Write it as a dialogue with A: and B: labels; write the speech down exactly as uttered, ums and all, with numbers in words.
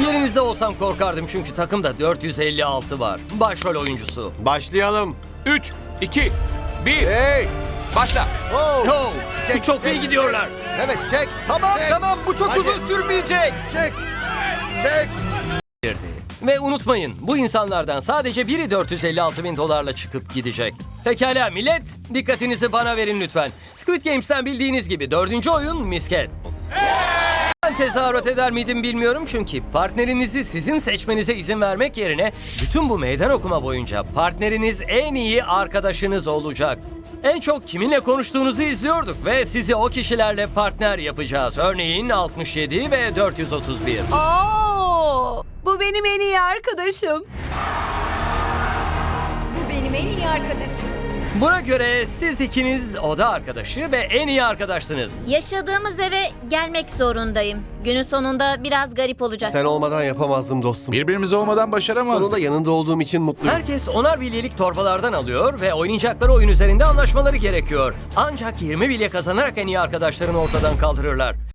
A: Yerinizde olsam korkardım çünkü takımda dört yüz elli altı var. Başrol oyuncusu.
B: Başlayalım.
C: üç, iki, bir.
B: Hey!
C: Başla.
B: Oh!
A: Oh,
B: Çek,
A: çok
B: çek,
A: iyi gidiyorlar.
B: Evet çek.
D: Tamam
B: Çek.
D: tamam bu çok
B: Hadi.
D: uzun sürmeyecek.
B: Çek. Çek.
A: Girdi. Ve unutmayın, bu insanlardan sadece biri dört yüz elli altı bin dolarla çıkıp gidecek. Pekala millet, dikkatinizi bana verin lütfen. Squid Games'ten bildiğiniz gibi dördüncü oyun misket. Ben tezahürat eder miydim bilmiyorum çünkü partnerinizi sizin seçmenize izin vermek yerine bütün bu meydan okuma boyunca partneriniz en iyi arkadaşınız olacak. En çok kiminle konuştuğunuzu izliyorduk ve sizi o kişilerle partner yapacağız. Örneğin altmış yedi ve dört yüz otuz bir.
E: Oo, bu benim en iyi arkadaşım.
F: Bu benim en iyi arkadaşım.
A: Buna göre siz ikiniz oda arkadaşı ve en iyi arkadaşsınız.
G: Yaşadığımız eve gelmek zorundayım. Günün sonunda biraz garip olacak.
B: Sen olmadan yapamazdım dostum.
C: Birbirimiz olmadan başaramazdık.
B: Sonunda yanında olduğum için mutluyum.
A: Herkes onar bilyelik torbalardan alıyor ve oynayacakları oyun üzerinde anlaşmaları gerekiyor. Ancak yirmi bilye kazanarak en iyi arkadaşlarını ortadan kaldırırlar.